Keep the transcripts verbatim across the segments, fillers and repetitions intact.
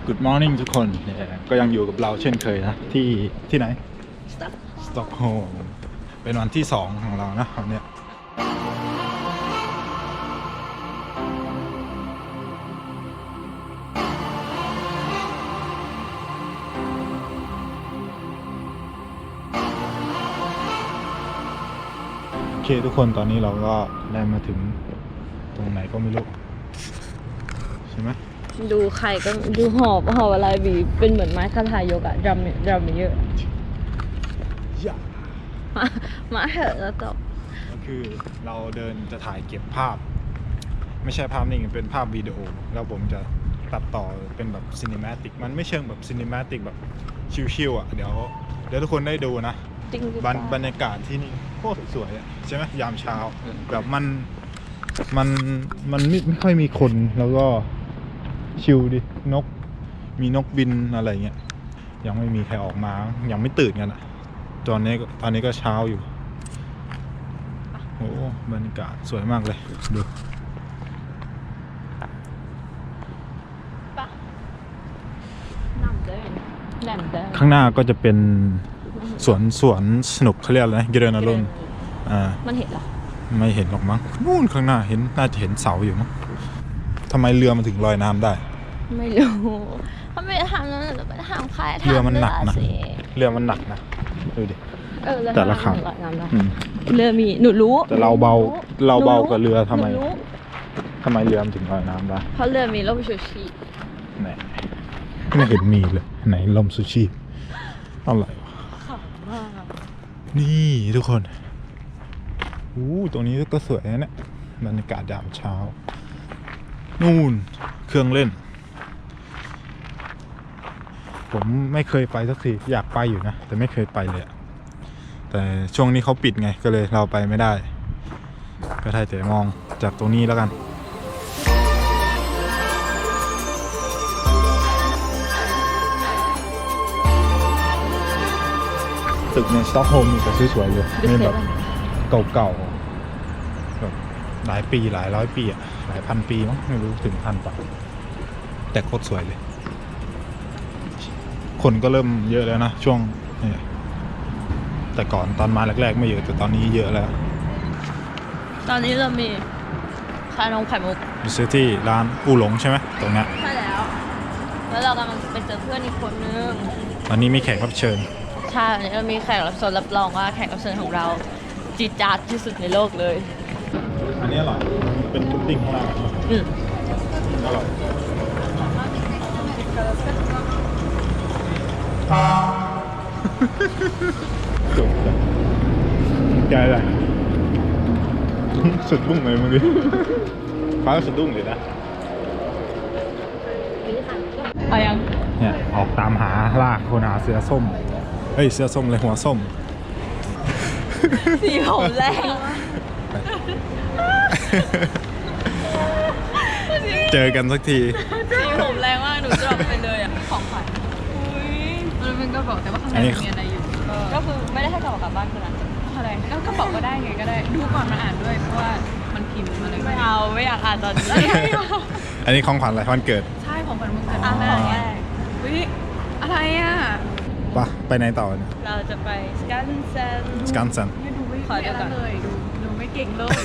Good morning ทุกคนก็ยังอยู่กับเราเช่นเคยนะที่ที่ไหนสต็อกโฮล์มเป็นวันที่สองของเรานะวันนี้โอเคทุกคนตอนนี้เราก็ได้มาถึงตรงไหนก็ไม่รู้ใช่ไหมดูไข่ก็ดูหอบหอบอะไรบีเป็นเหมือนไม้คาถายกอะดรัมดรัมเยอะมามาเถอะแล้วจบก็คือเราเดินจะถ่ายเก็บภาพไม่ใช่ภาพนิ่งเป็นภาพวิดีโอแล้วผมจะตัดต่อเป็นแบบซินิมาติกมันไม่เชิงแบบซินิมาติกแบบชิลๆอ่ะเดี๋ยวเดี๋ยวทุกคนได้ดูนะบรรยากาศที่นี่โคตรสวยอ่ะใช่ไหมยามเช้าแบบมันมันมันไม่ไม่ค่อยมีคนแล้วก็ชิลดินกมีนกบินอะไรเงี้ยยังไม่มีใครออกมายังไม่ตื่นกันอ่ะตอนนี้ตอนนี้ก็เช้าอยู่โอ้บรรยากาศสวยมากเลยดูข้างหน้าก็จะเป็นสวนสวนสนุกเขาเรียกอะไรนะเกเรนารุนอ่ามันเห็นหรอไม่เห็นหรอกมั้งนู่นข้างหน้าเห็นน่าจะเห็นเสาอยู่มั้งทำไมเรือมันถึงลอยน้ำได้ไม่รู้เขาไม่ทำนั้นหรือไม่ทำใครทำเรือมันหนักนะเรือมันหนักนะดูดิแต่ละขังเรือมีหนูรู้แต่เราเบาเราเบากว่าเรือทำไมทำไมเรือมันถึงลอยน้ำได้เพราะเรือมีร่มชูชีพไหนไม่เห็นมีเลยไหนร่มชูชีพอะไรวะนี่ทุกคนอู้ตรงนี้ก็สวยนะเนี่ยบรรยากาศยามเช้านู่นเครื่องเล่นผมไม่เคยไปสักทีอยากไปอยู่นะแต่ไม่เคยไปเลยแต่ช่วงนี้เขาปิดไงก็เลยเราไปไม่ได้ก็ได้แต่มองจากตรงนี้แล้วกันตึกในสต็อกโฮล์มมีแต่สวยๆเลยไม่แบบเก่าๆแบบหลายปีหลายร้อยปีอะหลายพันปีมั้งไม่รู้ถึงพันป่ะแต่โคตรสวยเลยคนก็เริ่มเยอะแล้วนะช่วงนี้แต่ก่อนตอนมาแรกๆไม่เยอะแต่ตอนนี้เยอะแล้วตอนนี้เรามีขายนมไข่มุกอยู่ซื้อที่ร้านอูหลงใช่ไหมตรงนี้ใช่แล้วแล้วเรากำลังไปเจอเพื่อนอีกคนนึงวันนี้มีแขกรับเชิญใช่วันนี้เรามีแขกรับเชิญรับรองว่าแขกรับเชิญของเราจีดจาดที่สุดในโลกเลยอันนี้อร่อยเป็นพุดดิ้งข้างล่างอืมอร่อยจบใจเลยสุดบุ้งเลยเมื่อกี้ฟ้าสุดดุ้งเลยนะเอายังเนี่ยออกตามหาล่าคนหาเสือส้มเฮ้ยเสือส้มเลยหัวส้มสีผมแรงเจอกันสักทีสีผมแรงมากหนูจะออกไปเลยอ่ะของขวัญอุ้ยมันเป็นกระเป๋าแต่ว่าข้างในมีอะไรอยู่ก็คือไม่ได้ให้กระเป๋ากลับบ้านคือนั้นอะไรก็กระเป๋าก็ได้ไงก็ได้ดูก่อนมาอ่านด้วยเพราะว่ามันพิมพ์อะไรไม่เอาไม่อยากอ่านตอนนี้อันนี้ของขวัญอะไรวันเกิดใช่ของขวัญวันเกิดอ่านแรกอุ้ยอะไรอ่ะปะไปไหนต่อเนี่ยเราจะไปสกันเซนสกันเซนดูไม่ขอเดี๋ยวก่อนเลยดูดูไม่เก่งเลย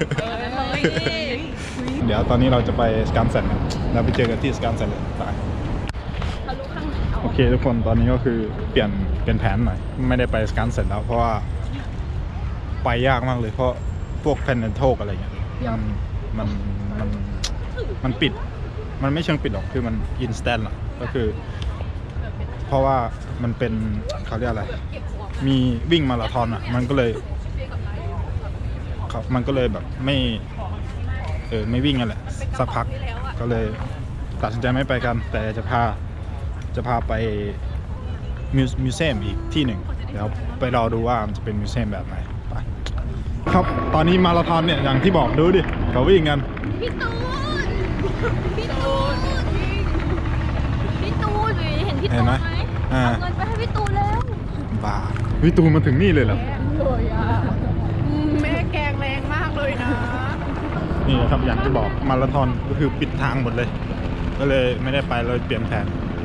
เดี๋ยวตอนนี้เราจะไปสกันเซนเราไปเจอกันที่สกันเซนเลยไปโอเคทุกคนตอนนี้ก็คือเปลี่ยนเปลี่ยนแผนหน่อยไม่ได้ไปสกันเซนแล้วเพราะว่าไปยากมากเลยเพราะพวกแพนเดนโทกอะไรเงี้ยมันมันมันมันปิดมันไม่เชิงปิดหรอกคือมันอินสแตนต์อะก็คือเพราะว่ามันเป็นเขาเรียกอะไรมีวิ่งมาราธอนอ่ะมันก็เลยครับมันก็เลยแบบไม่เออไม่วิ่งกันแหละสักพักก็เลยตัดสินใจไม่ไปกันแต่จะพาจะพาไปมิวเซียมอีกที่หนึ่งเดี๋ยวไปรอดูว่ามันจะเป็นมิวเซียมแบบไหนไปครับตอนนี้มาราธอนเนี่ยอย่างที่บอกดูดิเขาวิ่งกันพี่ตูนพี่ตูนพี่ตูนเห็นพี่ตูนไหมเอาเงินไปให้พี่ตูนแล้วบ้าพี่ตูนมาถึงนี่เลยเหรอเลยอ่ะแม่แกงแรงมากเลยนะนี่ครับอย่างที่บอกมาราธอนก็คือปิดทางหมดเลยก็เลยไม่ได้ไปเลยเปลี่ยนแผน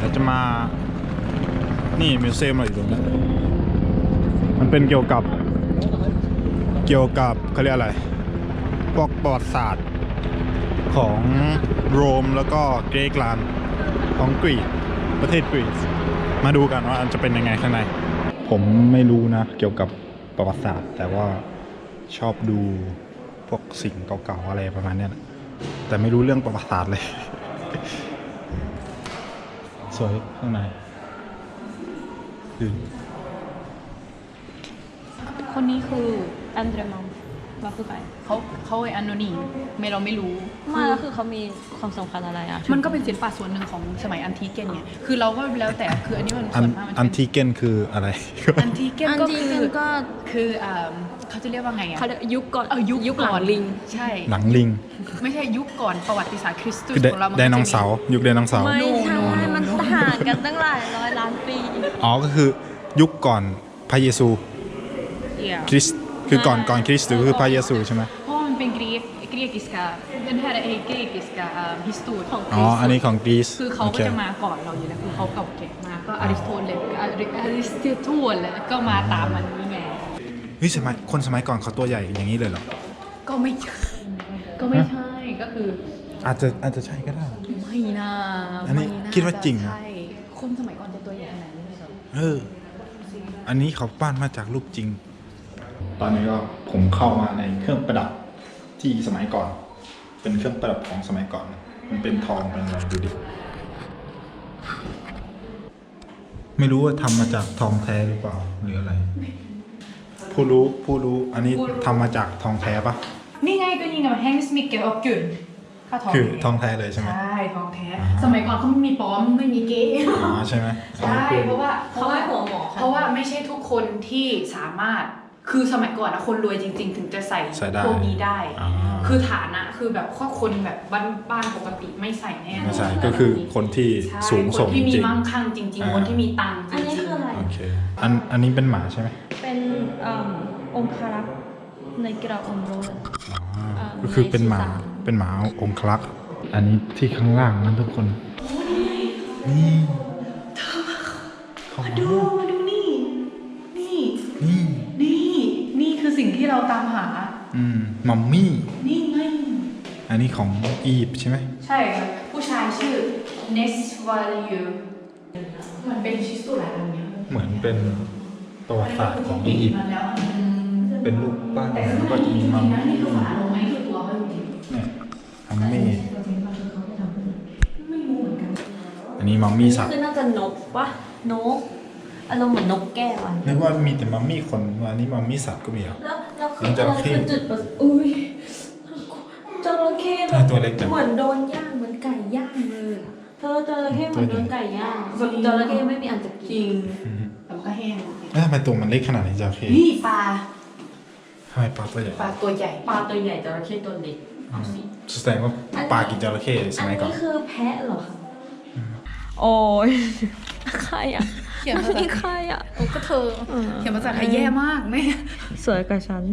เราจะมานี่มิวเซียมอะไรอยู่ตรงนี้มันเป็นเกี่ยวกับเกี่ยวกับเขาเรียกอะไรพวกประวัติศาสตร์ของโรมแล้วก็เกรกแลนด์ของกรีกประเทศกรีซมาดูกันว่าจะเป็นยังไงข้างในผมไม่รู้นะเกี่ยวกับประวัติศาสตร์แต่ว่าชอบดูพวกสิ่งเก่าๆอะไรประมาณนี้นะแต่ไม่รู้เรื่องประวัติศาสตร์เลย สวยข้างในคือคนนี้คืออันเดรมัมว่าคือใครเขาเขาไอ้อันโนนีไม่เราไม่รู้มาแล้วคือเขามีความสำคัญอะไรอ่ะมันก็เป็นศิลปะส่วนหนึ่งของสมัยอันทิเกนไงคือเราก็แล้วแต่คืออันนี้มันอันส่วนมากมันอันเป็นทีเกนคืออะไรอันทิเกนอันก็ที่คือก็คืออ่าเขาจะเรียกว่าไงอ่ะเขาเรียกยุคก่อนเออยุคยุคหลัก่งอนลิงใช่หลังลิงไม่ใช่ยุคก่อนประวัติศาสตร์คริสตุสคือไดของเรามันไดก็จะมีโนเสาร์ยุคไดโนเสาร์ไม่ใช่โน่โน่มันต่างกันตั้งหลายร้อยล้านปีอ๋อก็คือยุคก่อนพระเยซูเอี่ยคริสต์คือก่อนก่อนคริสต์หรือคือพระเยซูใช่ไหมเพราะมันเป็นกรีกกรีกิสกาเป็นแค่ไอ้กรีกิสกาฮิสตูดของอ๋ออันนี้ของกรีซคือเขาโอก็เคจะมาก่อนเราอยู่แล้วคือเขาเก่าแก่มากก็อริสโตเติลอริสโตเติลแล้วก็มาตามมันนี่ไงเฮ้ยสมัยคนสมัยก่อนเขาตัวใหญ่อย่างนี้เลยเหรอก็ไม่ใช่ก็ไม่ใช่ก็คืออาจจะอาจจะใช่ก็ได้ไม่น่าอันนี้ไม่น่คิดว่าจริงนะใช่คนสมัยก่อนจะตัวใหญ่ขนาดนี้เลยเหรอเออ อันนี้เขาปั้นมาจากรูปจริง ตอนนี้ก็ผมเข้ามาในเครื่องประดับที่สมัยก่อน เป็นเครื่องประดับของสมัยก่อน มันเป็นทองเป็นอะไรดูดิ ไม่รู้ว่าทำมาจากทองแท้หรือเปล่าหรืออะไร ผู้รู้ผู้รู้อันนี้ทำมาจากทองแท้ปะนี่ไงก็ยิงกับแฮงส์มิกเกลออฟกุนค่าทองคือทองแท้เลยใช่ไหมใช่ทองแท้อ่าสมัยก่อนเขาไม่มีปลอมไม่มีเก๊อ๋อใช่ไหมใช่เพราะว่าเขาให้หัวหมอเพราะว่าไม่ใช่ทุกคนที่สามารถคือสมัยก่อนนะคนรวยจริง ๆ ถึงจะใส่ใส่ได้พวกนี้ได้อ่าคือฐานะคือแบบข้อคนแบบบ้านบ้านปกติไม่ใส่แน่นอนไม่ใช่ก็คือคนที่ใช่สูงส่งคนจที่มีริงมั่งคั่งจริงอ่าๆ คนที่มีตังค์จอันนี้ริงคืออะไรโอเคอันอันนี้เป็นหมาใช่ไหมเป็นเอ่อองคารักษ์ในกระองค์โรสอ๋ออ่าก็คือเป็นหมาในสุสานเป็นหมาองคลักษ์อันนี้ที่ข้างล่างนั่นทุกคน นี่เขาๆดูมาดูนี่ นี่นี่นี่ นี่คือสิ่งที่เราตามหาอืมมัมมี่นี่ไงอันนี้ของอียิปต์ใช่ไหมใช่ครับผู้ชายชื่อ Nes Value มันเป็นชิสตุหลายอันเนี้ยเหมือนเป็นประวัติศาสตร์ของอียิปต์มันแล้วเป็นรูปปั้นแต่แล้วก็จะมีมัมนะมี่นี่คือฝาโลงไหมคือตัวเขาจริงเนี่ยมัมมี่ไม่รู้เหมือนกันอันนี้มัมมี่สัตว์คือน่าจะนกปะนกอารมณ์เหมือนนกแก้วอ่ะนึกว่ามีแต่มัมมี่คนอันนี้มัมมี่สัตว์ก็มีเหรอแล้วแล้วคือมันจระเข้คือจุดประสอุ้ยจระเข้แบถ้าบตัวเล็กจังเหมือนโดนย่างเหมือนไก่ย่างเลยเธอจระเข้เหมือนโดนไก่ย่างแบบจระเข้ไม่มีอันจะจกิรินงอืมแต่มันก็แห้งแล้วทำไมตัวมันเล็กขนาดนี้จระเข้นี่ปลาทำไมปลาตัวใหญ่ปลาตัวใหญ่ปลาตัวใหญ่จระเข้ตัวเล็กอืมแสดงว่าปลากินจระเข้สอันมัยก่อนนี้คือแพะเหรอคะโอ้ยใครอ่ะเขียนภาษานี่ใครอ่ะโอ้ก็เธอเออเขียนภาษาไทยแย่มากแม่สวยกว่าฉัน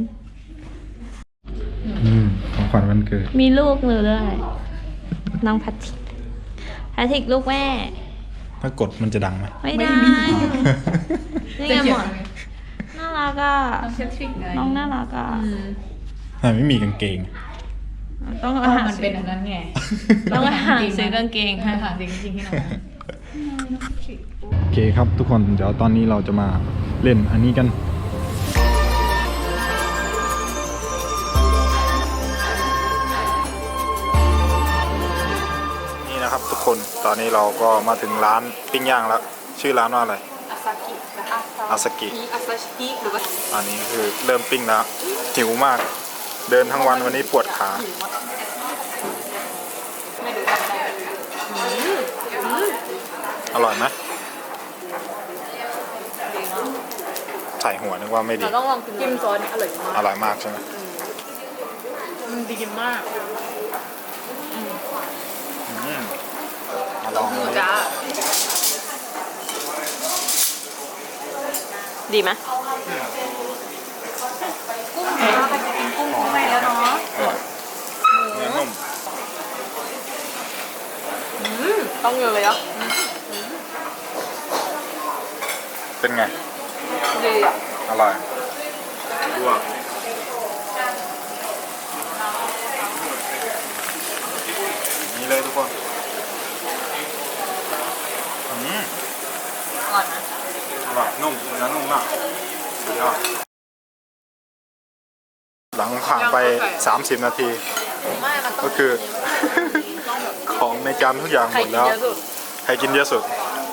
อืมของขวัญวันเกิดมีลูกหนูด้วยน้องแพทริกแพทริกลูกแม่ถ้ากดมันจะดังไหมไม่ได้ไม่มีนี่จะไงเขีหยมนดไงน่ารักอ่ะน้องเชฟทริกไงน้องน่ารักอ่ะอืมทำไมไม่มีกางเกงต้องเพมาราะหามันซื้เป็อนอันนั้นไงต้องมาหาซื้อกางเกงให้ค่ะหาซื้อกางเกงให้น้องโอเคครับทุกคนเดี๋ยวตอนนี้เราจะมาเล่นอันนี้กัน นี่นะครับทุกคนตอนนี้เราก็มาถึงร้านปิ้งย่างแล้ว ชื่อร้านว่าอะไรอาซากิและอาซาอาซากิอาซาชิหรือว่าอันนี้คือเริ่มปิ้งแล้วหิวมาก เดินทั้งวันวันนี้ปวดขาไม่รู้ทำได้อร่อยไหมใส่หัวนึกว่าไม่ดีเราต้องลองกินจิ้มซอสอร่อยมากอร่อยมากใช่ไหมมันดีมากอืมมาลองหมูดูจ้าดีไหมกุ้งจ้าไปกินกุ้งข้างในแล้วเนาะอร่อยเนื้อนุ่มต้องเยอะเลยอ่ะไงดีอ่ะอร่อยดูอ่ะนี่เลยทุกคนอืมอร่อยนะอร่อยนุ่มเนื้อนุ่มมากสุดยอดหลังผ่านไปสามสิบนาทีไม่มันต้องก็คือ ของในจานทุกอย่างหใครมดกินแล้วเยอะสุดใครกินเยอะสุด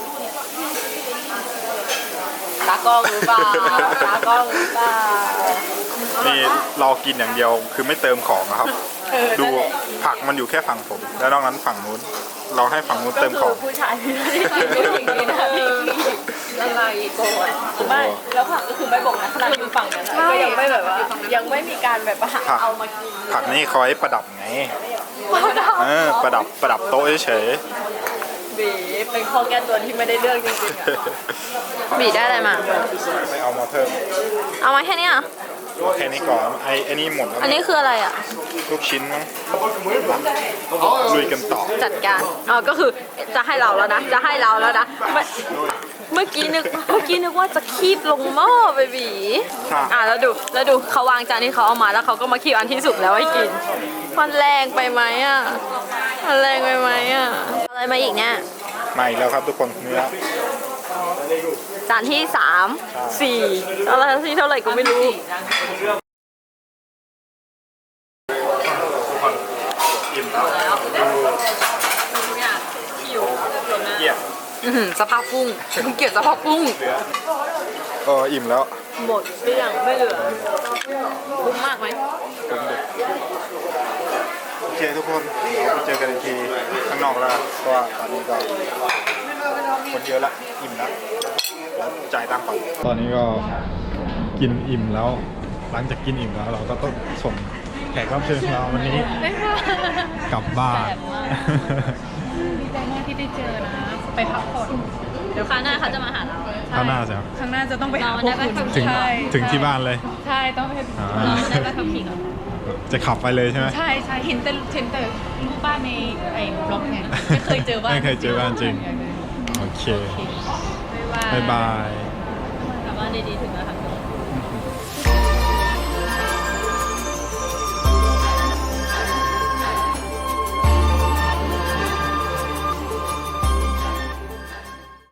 ตากล้องหรือเปล่าตากล้องหรือเปล่านี่เรากินอย่างเดียวคือไม่เติมของนะครับเออดูนั่นแหละผักมันอยู่แค่ฝั่งผม แล้วนอกนั้นฝั่งนู้น เราให้ฝั่งนู้นก็เติมคืขออง ผู้ชายที่ไม่ได้กินไม่ถึงนี้นะพี่ละลายโกนไม่แล้วผักก็คือไม่บอกนะขนาดอยู่ฝั่งนั้นอะก็ยังไม่แบบว่า ยังไม่มีการแบบว่าผักเอามากินผักนี่เขาให้ประดับไง เออ ประดับประดับโต๊ะเฉยบีเป็นข้อแก้ตัวที่ไม่ได้เรื่องจริงๆอะบีได้อะไรมาๆไม่เอามาเพิ่มเอามาแค่นี้อ่ะเอาแค่นี้ก่อนไอ้ไอ้นี่หมดแล้วอันนี้คืออะไรอ่ะลูกชิ้นมั้งลุยกันต่อจัดการอ๋อก็คือจะให้เราแล้วนะ จะให้เราแล้วนะเมื่อเมื่อกี้นึกเมื่อกี้นึกว่าจะคีบลงหม้อไปบีค่ะอ่ะแล้วดูแล้วดูเขาวางจานที่เขาเอามาแล้วเขาก็มาคีบอันที่สุกแล้วให้กินมันแรงไปไหมอ่ะมันแรงไปไหมอ่ะอะไรมาอีกเนี่ยมาอีกแล้วครับทุกคนเนื้อจานที่สามสี่อะไรที่เท่าไหร่ก็ไม่รู้อิ่มแล้วทุกอย่างหิวเยี่ยมอื้อหือสภาพกุ้งเกลียดสภาพกุ้งเหลือเอออิ่มแล้วหมดเกลี้ยงไม่เหลือคุ้มมากไหมผมเด็กโอเคทุกคนเดี๋ยวไปเจอกันอีกทีข้างนอกแล้วเพราะว่าตอนนี้ก็คนเยอะละอิ่มแล้วแล้วจ่ายตังค์ก่อนตอนนี้ก็กินอิ่มแล้ว หลังจากกินอิ่มแล้วเราก็ต้องส่งแขกรับเชิญของเราวันนี้กลับบ้านดีใจมากที่ได้เจอนะ ไปพักผ่อนเดี๋ยวคราวหน้าเขาจะมาหาเราข้างหน้าใช่ไหมข้างหน้าจะต้องไปหาเราพวได้กไปคุณขับถึงใช่ถึงที่บ้านเลยใช่ต้องไปให้อ่าเราได้ไปขับขี่ก่อนจะขับไปเลยใช่ไหมใช่ใช่เห็นแต่เห็นแต่รูปบ้านในไอ้บล็อกไงไม่เคยเจอบ้านไม่เคยเจอบ้านจริง โอเคบ๊ายบายบ๊ายบายกลับบ้านดีๆถึงแล้วค่ะ